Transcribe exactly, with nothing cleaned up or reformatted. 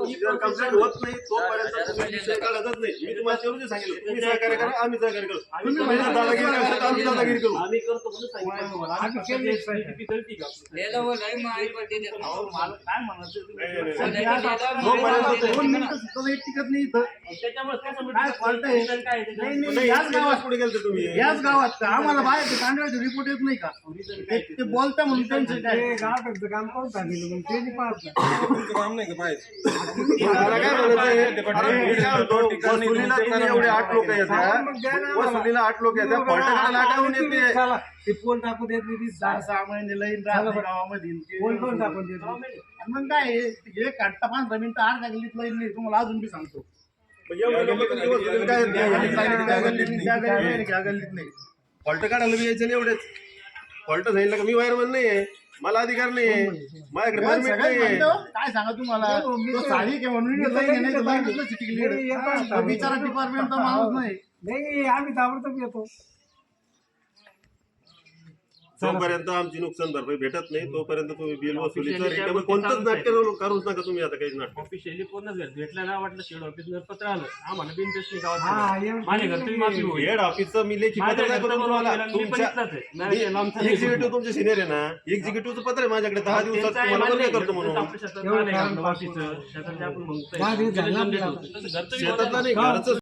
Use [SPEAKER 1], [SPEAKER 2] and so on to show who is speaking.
[SPEAKER 1] Complaint होत नाही तोपर्यंत तुम्ही विषय काढतच नाही. मी तुम्हाला तेवढं सांगितलं, तुम्ही सहकार्य करा, आम्ही सहकार्य करू. तुम्ही महिला दादागिरी करता, आम्ही दादागिरी करू.
[SPEAKER 2] आम्ही करतो म्हणून सांगितलं तुम्हाला. आम्ही केली किती कळती का आपल्याला?
[SPEAKER 3] ले लो वो नाही माई पर दे देता
[SPEAKER 2] अहो, मला काय म्हणायचं तुम्ही?
[SPEAKER 1] नाही, नाही,
[SPEAKER 3] नाही.
[SPEAKER 1] जोपर्यंत
[SPEAKER 4] दोन मिनिटं सुद्धा एक टिकत नाही इथं.
[SPEAKER 2] त्याच्यामुळे कसं
[SPEAKER 4] काय
[SPEAKER 2] म्हणतात,
[SPEAKER 4] फाल्ट आहे?
[SPEAKER 2] काय आहे त्याच्यात?
[SPEAKER 4] नाही, नाही,
[SPEAKER 1] नाही,
[SPEAKER 4] याच गावात
[SPEAKER 1] पुढे गेलते तुम्ही.
[SPEAKER 4] याच गावात का आम्हाला बाहेर तांदळाचे रिपोर्ट येत नाही का?
[SPEAKER 2] Reason
[SPEAKER 4] ते
[SPEAKER 2] काय
[SPEAKER 4] ते बोलता म्हणून त्यांचं काय
[SPEAKER 5] गावाकडचं काम करून सांगितलं मग ते नाही पाहत नाही.
[SPEAKER 1] मला काय म्हणायचं आहे, अरे मी काय म्हणतो, वसुलीला तुम्ही एवढे आठ लोक येतात, वसुलीला आठ लोक येतात, फॉल्टकडे लागावून येते.
[SPEAKER 5] चला ते पोल टाकून देत नाही वीस
[SPEAKER 4] सहा सहा महिने लईन राहते गावामध्ये
[SPEAKER 5] पोल पण टाकून देत नाही.
[SPEAKER 4] आणि मग काय आहे, हे काढता पंधरा मिनिटं अर्धा गल्लीत लईन नाही तुम्हाला अजून बी सांगतो.
[SPEAKER 1] मग एवढे लोकं तुम्ही वसुलीला काय येत नाही, गल्लीत सांगितलं, त्या गल्लीत नाही.
[SPEAKER 4] त्या गल्लीत नाही, त्या गल्लीत नाही.
[SPEAKER 1] फॉल्ट काढायला बी यायचं नाही एवढेच. फॉल्ट सांगितलं का मी वायरमन नाहीये, मला अधिकार नाहीये, माझ्याकडे परमिट
[SPEAKER 4] सगळ्यात
[SPEAKER 1] नाहीये.
[SPEAKER 4] म्हणतो, काय सांगा तुम्हाला तो साडी घे म्हणून लईन आहे, नाही तर लईनच चिटकली. तो बिचारा डिपार्टमेंटचा माणूस नाही.
[SPEAKER 5] नाही आम्ही ताबडतोब येतो.
[SPEAKER 1] जोपर्यंत आमची नुकसान भरपाई भेटत नाही तोपर्यंत तुम्ही बिल वसुलीचं रिकामं कोणतंच नाट्य करूच नका तुम्ही. आता काही नाटक
[SPEAKER 2] ऑफिशियली कोणच घर भेटलं ना, वाटलं शेड ऑफिसवर पत्र आलं आम्हाला बिनपेशनी गावात
[SPEAKER 5] हा, एवढं-
[SPEAKER 2] माझ्या घर तुम्ही माफी होईल.
[SPEAKER 1] हेड ऑफिसचं मी लेखी पत्र नाही करून तुम्हाला तुमच्या एक्झिक्युटिव्ह तुमचे सिनियर आहे ना, एक्झिक्युटिव्हचं पत्र आहे माझ्याकडे दहा दिवसात तुम्हाला वर्ग करतो म्हणून.
[SPEAKER 5] एवढं काम
[SPEAKER 2] शेतातले आपण
[SPEAKER 5] दहा दिवस झाले
[SPEAKER 2] म्हणतोय
[SPEAKER 5] आपल्याला.
[SPEAKER 2] शेतातलं नाही घरचं
[SPEAKER 1] शेतातला नाही घरचं